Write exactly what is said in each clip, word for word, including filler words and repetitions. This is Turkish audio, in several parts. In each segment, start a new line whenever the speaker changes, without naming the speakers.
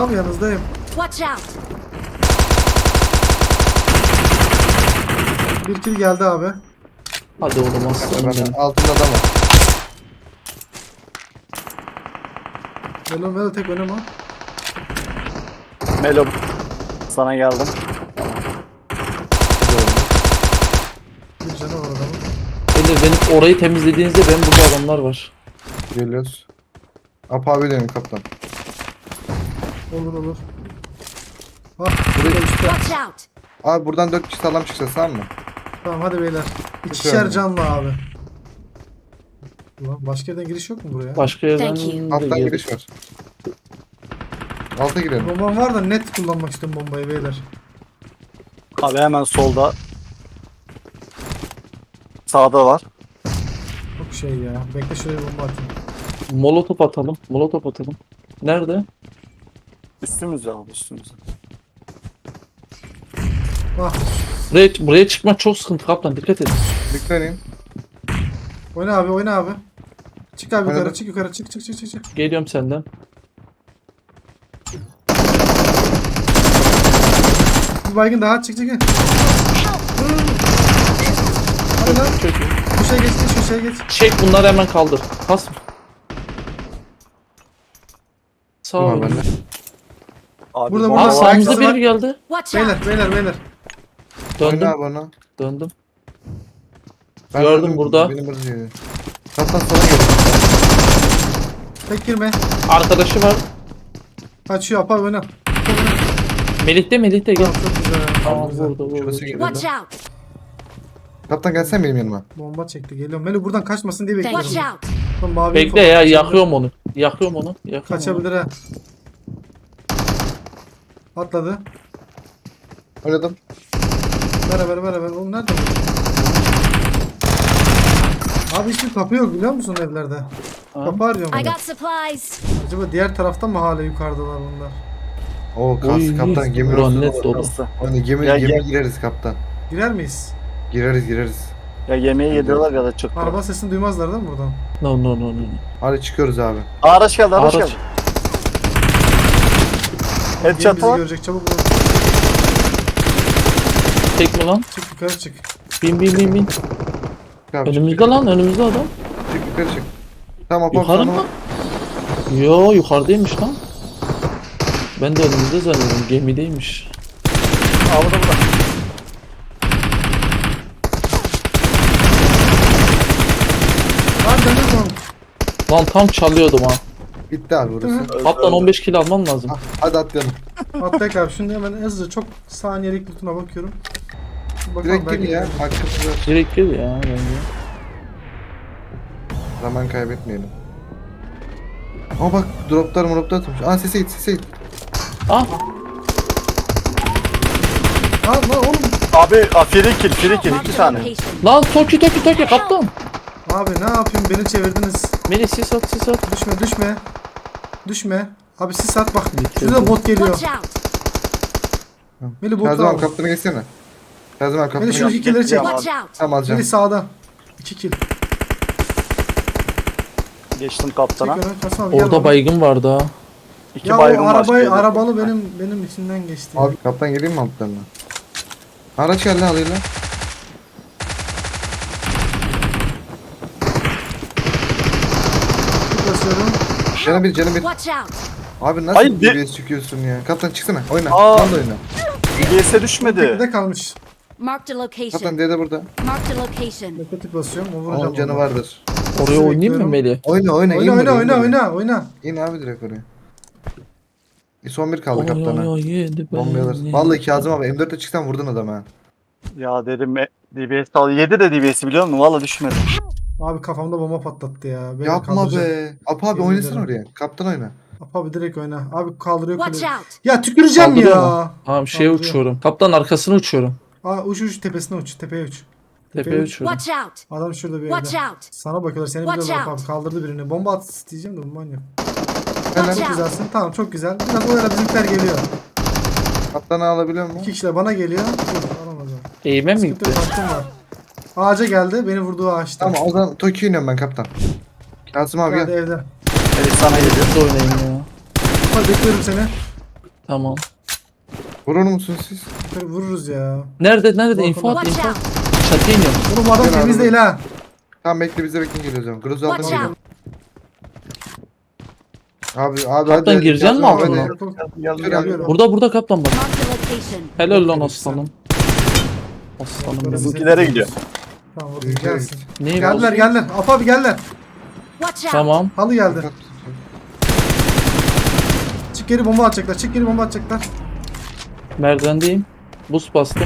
abi yanınızdayım.
Watch out!
Bir kill geldi abi.
Hadi oğlum aslanım
Ben
benim.
altında adam var.
Melo Melo tek oynama.
Melo. Sana geldim.
Bir canı var adamın.
Beyler benim orayı temizlediğinizde benim burada adamlar var.
Geliyoruz. Apa abi dönüyorum kaptan.
Olur olur. Ah burada üstte.
Watch out!
Abi buradan dört kişi sağlam çıkacağız, tamam mı?
Tamam hadi beyler. İkişer
Çıkıyorum.
canlı abi. Ulan başka yerden giriş yok mu buraya?
Başka yerden
Thank you.
de
Alttan
geldi.
giriş var. Alta girelim.
Bombam var da net kullanmak istiyorum bombayı beyler.
Abi hemen solda. Sağda var.
Çok şey ya. Bekle şuraya bomba atayım.
Molotof atalım. Molotof atalım. Nerede?
Üstümüzde abi üstümüzde.
Ah
Buraya, buraya çıkmak çok sıkıntı kaptan, dikkat edin.
Dikleneyim.
oyna abi oyna abi. Çık abi yukarı
Oynadım.
çık yukarı çık çık çık çık. çık.
Geliyorum senden.
Bir baygın daha çık çık. Hadi lan.
Çok iyi.
Şu şey geç şu şey geç.
Çek bunları hemen kaldır. Pas. Sağ
Tamam
olun.
bende.
Abi
Burada,
bomba
Aa
burada.
var.
sağımızda
Arkası var.
biri geldi.
Watch out!
Beyler beyler beyler.
Döndüm.
Oyna bana.
Döndüm.
Ben
Gördüm
öldüm,
burada.
Benim burada geliyor. Kaptan sola geliyor.
Tek girme.
Arkadaşı var.
Kaçıyor apa oyna.
Melih de Melih de gel.
Tamam çok güzel.
Tamam
Tamam, güzel.
vurdu vurdu.
Şurası geliyor.
Watch out!
Kaptan gelsen benim yanıma.
Bomba çekti geliyorum. Melo buradan kaçmasın diye
Watch
bekliyorum.
out!
Lan mavi
Bekle
info-
ya,
kaçabilir.
yakıyorum onu. Yakıyorum onu. Yakıyorum
Kaçabilir ha. Atladı.
Oynadım.
Beraber beraber. Oğlum nerede bu? Abi hiçbir kapı yok biliyor musun evlerde?
onu.
Kapı arıyorum.
I
ben.
got supplies!
Acaba diğer taraftan mı hala yukarıdalar bunlar?
Oo kas
Oy,
kaptan gemi
buran
ortada
net
var.
dolu.
Nasıl?
Hani gemi
Ya,
gemi
ya.
gireriz kaptan.
Girer miyiz?
Gireriz gireriz.
Ya yemeği yediyorlar ya da çıktı.
Araba sesini duymazlar değil mi buradan?
No no no no.
Hadi çıkıyoruz abi.
Araç geldi araç
Araç.
geldi.
Gemi
Headshot
bizi
var.
görecek çabuk vurun.
Tek mi lan?
Çık yukarı çık.
Bin bin bin bin.
Çık abi, çık,
Önümüzde lan, önümüzde adam.
Çık yukarı çık. Tamam Apa
Yukarı
sana
mı? Yo yukarıdaymış lan. Ben de önümüzde zannediyorum, gemideymiş.
Aa burada burada.
Lan dönüyor lan.
Lan tam çalıyordum ha.
bitti abi burası.
Kaptan on beş kilo alman lazım.
Ah, hadi atlayalım.
Atlayık abi şimdi hemen hızlıca çok saniyelik lootuna bakıyorum. Bakalım
Direkt
belki
gel ya.
gelir.
Hakkımız var.
Direkt gel ya bence.
Zaman kaybetmeyelim. Ama bak droplar droplar atmış. Aa sese git sese git.
Ah
Aa lan oğlum.
Abi a, free kill free kill
Marked
iki
a
tane.
location.
lan Toki Toki Toki kaptan.
Abi ne yapayım beni çevirdiniz.
Melih sis at sis at.
Düşme düşme. Düşme. Abi siz at bak.
Bitirdim.
Şurada bot geliyor.
Watch out!
Meli bot
Kazım abi
al.
kaptana geçsene. Kazım abi kaptana
Meli şu
geç.
iki killeri çek.
Tamam.
Watch out!
Tamam alacağım.
Meli sağda. İki kill.
Geçtim
Çek
kaptana.
öne. Kasım abi gel
Orada
bana.
baygın vardı ha.
İki
Ya
baygın
o
var.
arabayı, arabalı benim benim içinden geçti.
Abi kaptan geleyim mi altlarına? Araç geldi alıyla.
Basıyorum.
Canı bir canı bir.
Watch out!
Abi nasıl
Hayır, de-
D B S çıkıyorsun ya? Kaptan çıksana oyna.
Aa.
Lan da oyna.
D B S'e düşmedi.
Tekde kalmış.
Marked a location.
Kaptan D de burada.
Marked a location.
Bekle tık basıyorum. O vuracağım.
Onun canı
onu.
vardır.
Oraya oynayayım mı
bekliyorum.
Melih?
Oyna oyna. in
Oyna oyna
buraya, in
oyna
buraya.
oyna oyna.
İn abi direkt oraya. E, son bir kaldı
Oy
kaptana.
oy yedi
Bombayı alırsın.
beni.
Vallahi Kazım abi M dörtte çıksan vurdun adamı ha.
Ya dedim e, D B S al. Yedi de D B S'i biliyor musun? Valla düşmedi.
Abi kafamda bomba patlattı ya. Beni
Yapma
kaldıracak.
be. Apa abi
Yemin
oynasana
ederim.
oraya. Kaptan oyna.
Abi direkt oyna. Abi kaldırıyor
Watch
kuleyi.
out!
Ya tüküreceğim
Kaldırıyor
ya.
mu? Tamam şeye
Kaldırıyor.
uçuyorum. Kaptan arkasına uçuyorum.
Aa uç uç tepesine uç. Tepeye uç.
Tepeye uçuyorum.
Watch out!
Adam şurada bir
Watch
yerde.
out!
Sana bakıyorlar seni
Watch
biliyorlar
out.
abi kaldırdı birini. Bomba at isteyeceğim de bomban yok.
Watch
Çok
out!
güzelsin. Tamam çok güzel. Biraz oyala bizimkiler geliyor.
Kaptanı alabiliyor mu?
İki kişiler bana geliyor. Dur alamadım.
Eğime mi
Sıkıntı
gitti?
yok, hakkım var. Ağaca geldi. Beni vurduğu ağaçta.
Tamam o zaman Tokyo iniyorum ben kaptan. Kazım abi
Geldi
gel.
evde.
Evet sana geliyor.
Siz de oynayın ya.
Hadi bekliyorum seni.
Tamam.
Vurur musun siz?
Yukarı vururuz ya.
Nerede nerede
Bak,
info at
Watch
info.
out!
Çatıya iniyorum.
Oğlum bu adam
Gel
temiz
abi.
değil ha.
Tamam bekle bize bekle geliyoruz ama. Grozu aldım
Watch
geliyorum.
out!
Abi abi
Kaptan
hadi.
gireceksin mi
Hadi,
altına?
hadi.
Yok, yok.
Geldim
Gel abi.
geldim.
Burada burada kaptan bak.
Marked a location.
Helal lan aslanım. Aslanım
Böyle
benim.
Bizimkilere gidiyor.
Tamam vurdu
Bizimkilere
gelsin.
Neyi
Geldiler
bozdun?
geldiler. Apo abi geldiler.
Watch out!
Tamam.
Halı geldi. Çık geri bomba atacaklar. Çık geri bomba atacaklar.
Merdivendeyim. Buz bastım.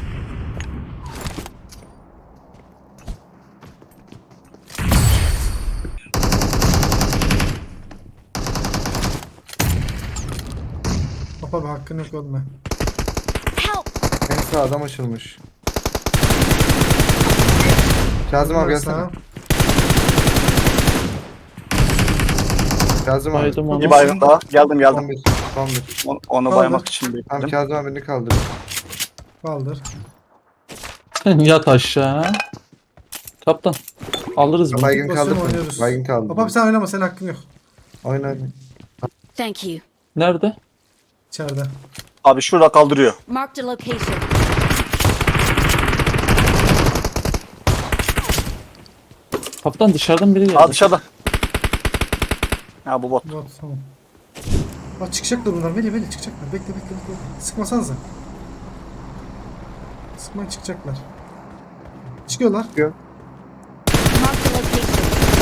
Apo abi hakkın yok olma.
Help!
En sağ adam açılmış. Kazım abi gelsene. Kazım abi.
Baydım onu.
Bir baygın daha. Geldim
Son
geldim.
bir. Son bir.
Onu, onu
Kaldı.
baymak için
Tamam
bekledim.
Kazım abini kaldır.
Kaldır.
Yat aşağı. Kaptan. Alırız bunu.
Baygın
Pozisyonu
kaldır.
oynuyoruz.
Baygın kaldır.
Apo abi sen oynama, senin hakkın yok.
Oyna oyna.
Thank you.
Nerede?
İçeride.
Abi şurada kaldırıyor.
Marked a location.
Kaptan dışarıdan biri geldi.
Aa dışarıda. Ha bu bot.
Bot tamam. Bak çıkacaklar bunlar. Veli veli çıkacaklar. Bekle bekle bekle. Sıkmasanıza. Sıkmayın, çıkacaklar. Çıkıyorlar.
Marked a location.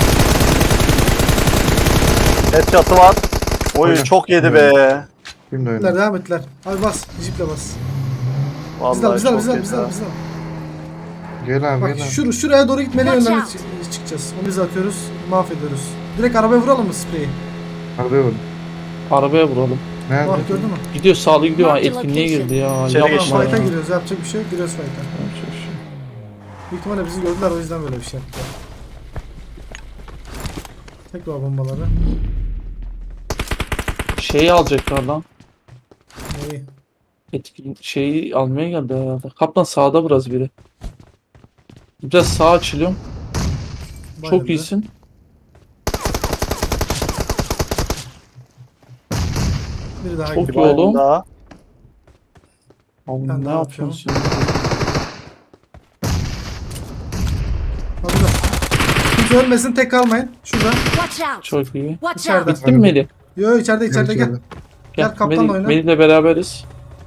Headshot'ı var. Oy
Oyna.
çok yedi be.
Şimdi
Ettiler,
oyna.
devam ettiler. Abi bas. Jiple bas.
Vallahi
Bizden bizden
çok
bizden
yedi
bizden
ha.
bizden.
Gel abi
Bak
gel abi.
şur şuraya doğru gitmeli
Watch
yönlerine
out.
çı- çıkacağız. Onu biz atıyoruz. Mahvediyoruz. Direkt arabaya vuralım mı spreyi?
Arabaya vurun.
Arabaya vuralım.
Nerede?
Bak gördün mü?
Gidiyor sağlı gidiyor. Ha,
Marked
etkinliğe
location.
girdi ya.
İçeri
Yapma
geçti.
Tamam,
ya.
fight'a giriyoruz. Yapacak bir şey yok. Giriyoruz fight'a.
Yapacak bir şey yok.
Büyük ihtimalle bizi gördüler, o yüzden böyle bir şey yaptılar. Tekrar bombaları.
Şeyi alacaklar lan.
Neyi?
Etkin şeyi almaya geldi herhalde. Kaptan sağda biraz biri. Biraz sağa açılıyorum. Çok
Bayıldı.
iyisin.
Biri daha
Çok
gitti.
Bir baygın
oğlum.
daha.
Oğlum
Ben
ne
ne
yapıyorsun sen?
Hadi lan. Kimse ölmesin, tek kalmayın. Şurada.
Watch out!
Çok iyi.
Watch
İçeride.
out!
Bittin mi Melih?
Yo içeride içeride gel.
Gel.
Gel, kaptanla
Melih,
oyna.
Melih'le beraberiz.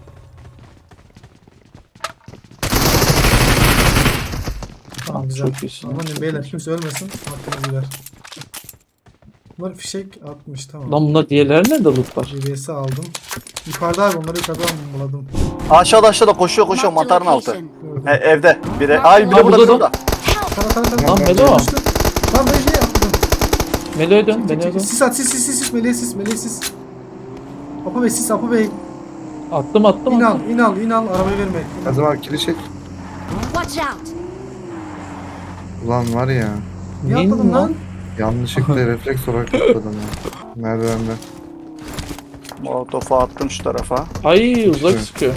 Tamam güzel.
Çok iyisin.
Aman diyeyim beyler, kimse ölmesin. Hakkını gider. Bunlar fişek atmış, tamam.
Lan bunlar diğerleri nerede lootlar?
G B S aldım. Yukarıda abi, onları yukarıdan bombaladım.
Aşağıda aşağıda koşuyor koşuyor
Marked a
mantarın altı.
location.
E, evde. Biri.
Marked
Ay biri
Aa,
burada
burada
biri
da.
burada.
Tara tara tara.
Lan Melo.
Düştü. Lan ben ne yaptım?
Melo'ya dön,
Çek,
Melo'ya
çek,
dön.
Sis at, sis sis sis sis, meleğe sis, meleğe sis. Apo Bey sis, Apo Bey.
Attım attım
İn al,
attım.
in al, in al, arabayı verme.
Kazım abi kili çek.
Watch out!
Ulan var ya.
Niye
Neyin
atladın lan?
Yanlışlıkla refleks olarak atladım ya. Merdivende.
Molotof'u attım şu tarafa.
Ay uzak
Evet.
sıkıyor.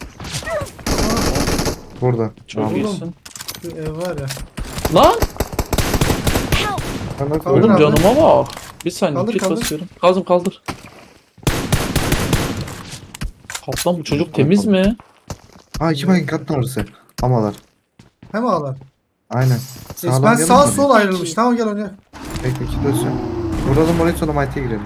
Burada.
Çok
Oğlum.
iyisin.
Şu ev var ya.
Lan!
Help!
Ben nasıl
Kaldır
Oğlum
abi.
canıma bak. Bir saniye
Kaldır,
kit
kaldır.
basıyorum. Kazım kaldır. Kaptan bu çocuk temiz mi?
Aa iki baygın kattan orası. Amalar.
Hem ağlar.
Aynen.
Neyse, ben
gelin
sağ
mi?
sol ayrılmış. Tamam gel oyna.
Bekle iki dönsün. Vuralım oraya sonra Mighty'ye girelim.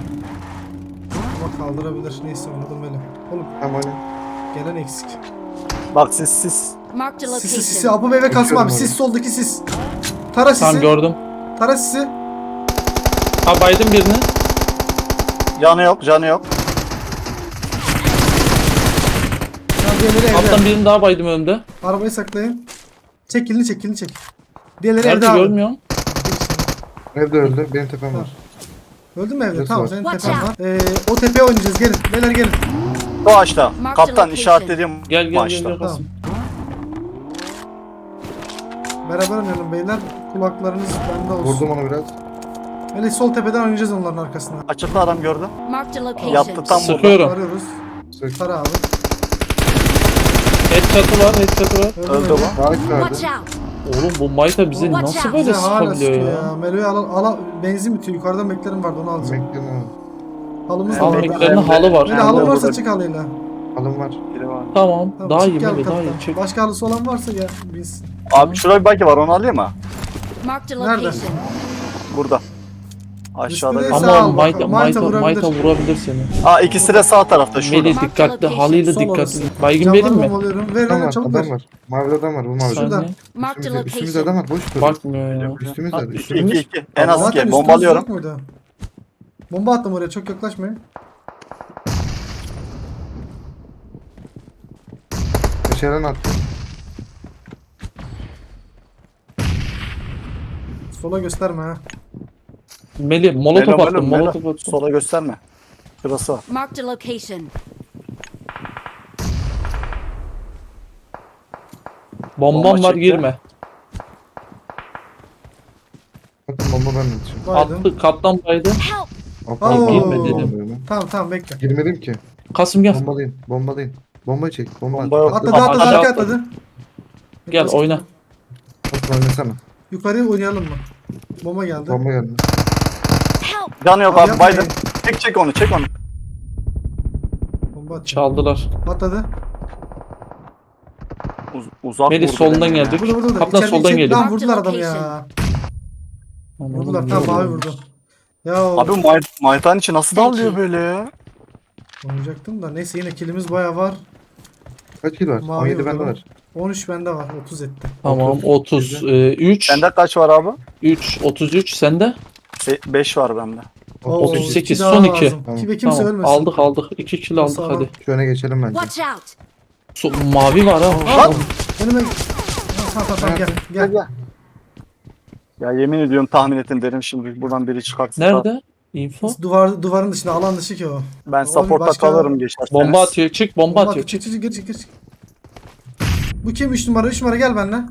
Ama kaldırabilir. Neyse oynadım böyle. Oğlum
Tamam oyna.
gelen eksik.
Bak siz siz.
Marked a
Sisi sisi.
location.
Apo Bey ve Kasım
Bakıyorum
abi.
oraya.
Sis soldaki sis. Tara sisi.
Tamam gördüm.
Tara sisi.
Ha baydım birini.
Canı yok canı yok.
Tamam diğerleri evde.
Kaptan birini daha baydım önde.
Arabayı saklayın. Çek kilini çek kilini çek. Diğerleri
Nerede
evde abi.
görmüyorum.
Evde öldü. Benim tepem var.
Öldün mü evde?
Burası
Tamam
var.
senin
Watch
tepen var.
out.
Ee, o tepeye oynayacağız. Gelin. Beyler gelin.
Bu ağaçta.
Marked
Kaptan
location.
işaretlediğim
Gel gel gel.
ağaçta.
gel Kasım.
Beraber oynayalım beyler. Kulaklarınız bende olsun.
Vurdum onu biraz.
Öyle sol tepeden oynayacağız onların arkasına.
Açıkta adam gördüm.
Marked a location.
Yattı tam burada.
Sıkıyorum.
Arıyoruz.
Sık.
Tara abi.
Headshot'ı var, headshot'ı var.
Öldü
öldü.
bu.
Ağaç
Watch
verdi.
out!
Oğlum bu Mayta bize
Watch
nasıl
out.
böyle
Bize hala
sıkabiliyor
sıkıyor
ya?
ya. Melo'yu ala, ala benzin bitiyor. Yukarıdan beklerim vardı, onu alacağım.
Bekledim onu.
Halımız da
Tamam,
var.
Almak
bekle.
yerine halı var.
Böyle halı
Burada,
varsa
burada.
çık halıyla.
Alım var.
Biri var.
Tamam.
Tamam,
Daha
çık
iyi
gel
Meli daha iyi.
kaptan.
Çık.
Başka halısı olan varsa gel biz.
Abi şurada bir bagi var onu alayım mı?
Marked a
Nerede?
location.
Burada. Aşağıda.
Üstüne-
bir-
Sağ
Ama
ol
Mayta,
bakalım.
Mayta,
Mayta
Mayta
vurabilir.
vurabilir seni.
Aa ikisi de sağ tarafta şurada.
Meli
Mark
dikkatli,
the location.
halıyla
Sol
dikkatli.
orası.
Baygın
Camları
verin mi?
bombalıyorum. Ver
Adam
ver
var,
çabuk
adam
ver.
var. Mavi adam var, bu mavi.
Şurada.
Saniye.
Marked a
Üstümüzde, üstümüzde
location.
adam var, boş dur.
Bakmıyor ya.
Üstümüzde,
Ha,
İki
üstümüzde.
iki iki. En az
Zaten
iki.
üstümüz
Bombalıyorum.
yok muydu? Bomba attım oraya çok yaklaşmayın.
Meşalen attı.
Sola gösterme ha.
Meli molotof
Melo,
attım,
Melo,
molotof
Melo.
attım.
Sola gösterme. Şurası var.
Marked a location.
Bombam
Bomba
var
çekti.
girme.
Bakın bomba ben de düşüyorum.
Baydım.
Attı, kaptan baydı.
Help!
Hoppa,
Oo.
Girme dedim.
Tamam tamam bekle.
Girmedim ki.
Kasım gel.
Bombalayın, bombalayın. Bombayı çek, bomba at.
Bomba yok.
Atladı
Aşağı
atladı arka
atladı.
atladı.
Gel oyna.
Bak oynasana.
Yukarıya oynayalım mı? Bomba geldi.
Bomba geldi.
Help!
Canı yok
Abi
abi.
yapmayın.
Biden. Çek çek onu çek onu.
Bomba atacağım.
Çaldılar.
Atladı.
Uz uzak
Meli
vurdu
solundan
beni ya.
gelecek.
Burada burada burada.
Kaptan
İçeride,
soldan
içeride.
geliyor.
Lan vurdular adamı ya. Vurdular tamam mavi vurdu. Ya
Abi May Maytan içi nasıl dalıyor böyle ya?
oynayacaktım da neyse yine kilimiz baya var.
Kaç kill var?
Mavi
on yedi
vurdu
bende
lan.
var.
on üç bende var. otuz etti.
Tamam otuz üç.
Sende kaç var abi?
üç otuz üç sende.
beş var bende.
Oo,
otuz sekiz,
iki daha
son iki.
lazım.
Tamam.
Kimse kimse
Tamam
ölmesin.
aldık aldık. iki kill aldık
Sağ ol.
hadi.
Şu öne geçelim bence.
Watch out!
So, mavi var ha.
Lan! Önüme... Ha, Tamam tamam tamam gel gel.
Gel. Ya yemin ediyorum tahmin ettim derim şimdi buradan biri çıkartsın.
Nerede? Info.
Duvar, duvarın dışında alan dışı ki o.
Ben
Oğlum
support'a
başka-
kalırım geçerseniz.
Bomba atıyor. Çık bomba atıyor.
Çık
Çık.
çık çık çık çık. Bu kim üç numara? üç numara gel benimle.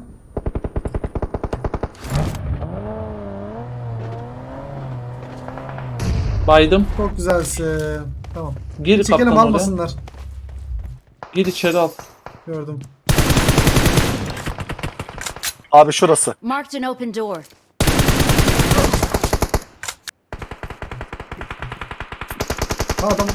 Baydım.
Çok güzelsin. Tamam.
Gir
Çekelim
kaptan oraya.
almasınlar.
Gir içeri al.
Gördüm.
Abi şurası.
Marked an open door.
Ha adam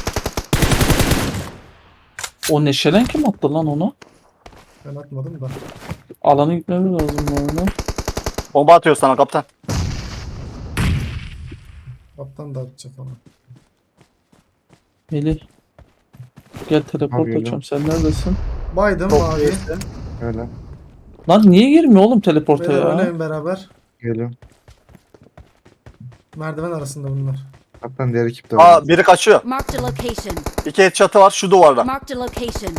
O neşelen kim attı lan onu?
ben atmadım da.
Alana gitmemiz lazım bu arada.
Bomba atıyor sana kaptan.
Kaptan da atacak onu.
Melih. Gel teleport
Abi,
açacağım. Sen neredesin?
Baydım
Çok
mavi.
iyisin.
Öyle.
Lan niye girmiyor oğlum teleporta
Beyler
ya?
oynayın beraber.
Geliyorum.
Merdiven arasında bunlar.
Kaptan diğer ekip de var.
Aa biri kaçıyor.
Marked a location.
İki headshot'ı var şu duvarda.
Marked a location.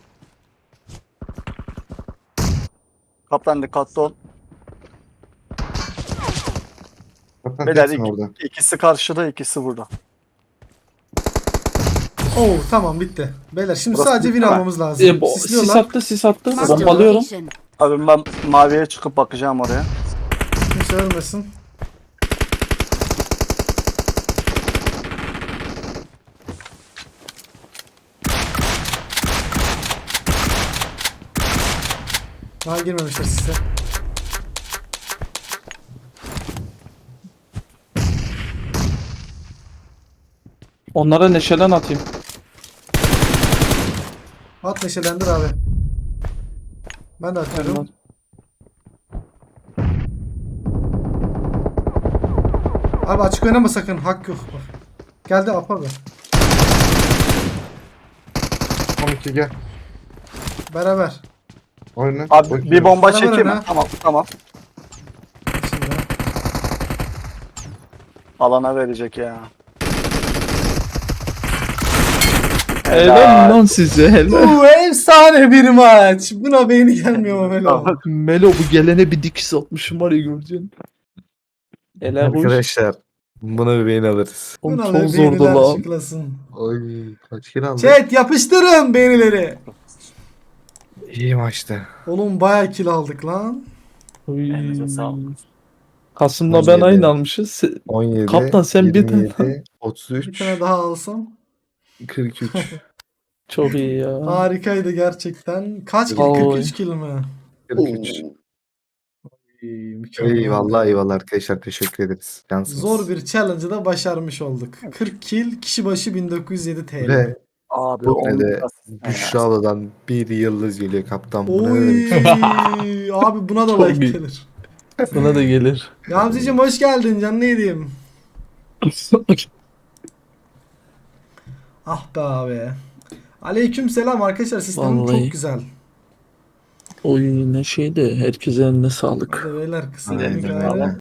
Kaptan dikkatli ol.
Kaptan
Beyler
teksin
iki-
orada.
ikisi karşıda ikisi burada.
Oo tamam bitti. Beyler şimdi
Burası
sadece win
bitti mi?
almamız lazım.
E, bo- sis
Sisliyorlar.
attı sis attı.
Marked a
Bombalıyorum.
location.
Abi ben maviye çıkıp bakacağım oraya.
Kimse ölmesin. Daha girmemişler size.
Onlara neşelen atayım.
At neşelendir abi. Ben de atıyorum. Abi açık oynama sakın. Hak yok. Bak. Geldi Alp abi.
on iki gel.
Beraber.
Oyna.
Abi
Bakıyorum.
bir bomba
Beraber
çekeyim mi?
oyna.
Tamam tamam.
Şimdi.
Alana verecek ya.
Helal lan size helal.
Bu efsane bir maç. Buna beyni gelmiyor mu böyle?
Tamam.
Melo bu gelene bir dikiş atmışım var ya göreceksin. Helal hoş.
Arkadaşlar buna bir beğen alırız.
Oğlum
Buna
çok
be
zordu
beğeniler
lan.
şıklasın.
Oy kaç kill aldık?
Chat yapıştırın beğenileri.
İyi maçtı.
Oğlum bayağı kill aldık lan.
Oy.
Elinize sağlık.
Kasım'la
on
ben
yedi.
aynı almışız. Se-
on yedi.
Kaptan sen bir tane-
yirmi yedi, otuz
Bir
üç.
tane daha alsam.
kırk üç.
Çok iyi ya.
Harikaydı gerçekten. Kaç kill?
Vallahi.
kırk üç kill mi?
kırk üç.
mükemmel.
Eyvallah eyvallah arkadaşlar, teşekkür ederiz. Cansınız.
Zor bir challenge'ı da başarmış olduk. kırk kill, kişi başı bin dokuz yüz yedi T L.
Ve
Abi
bu
on
de
asist ne
Büşra
ya?
abladan bir yıldız geliyor kaptan. Bu ne
Oy
demek?
abi buna da
Çok
like
iyi.
gelir.
Sana da gelir.
Gamzeciğim hoş geldin canlı yediğim. Ah be abi. Aleyküm selam arkadaşlar, sistemim
Vallahi.
çok güzel.
Oy ne şeydi. Herkese eline sağlık.
Hadi beyler kısım
Aynen
bir
öyle.
gari.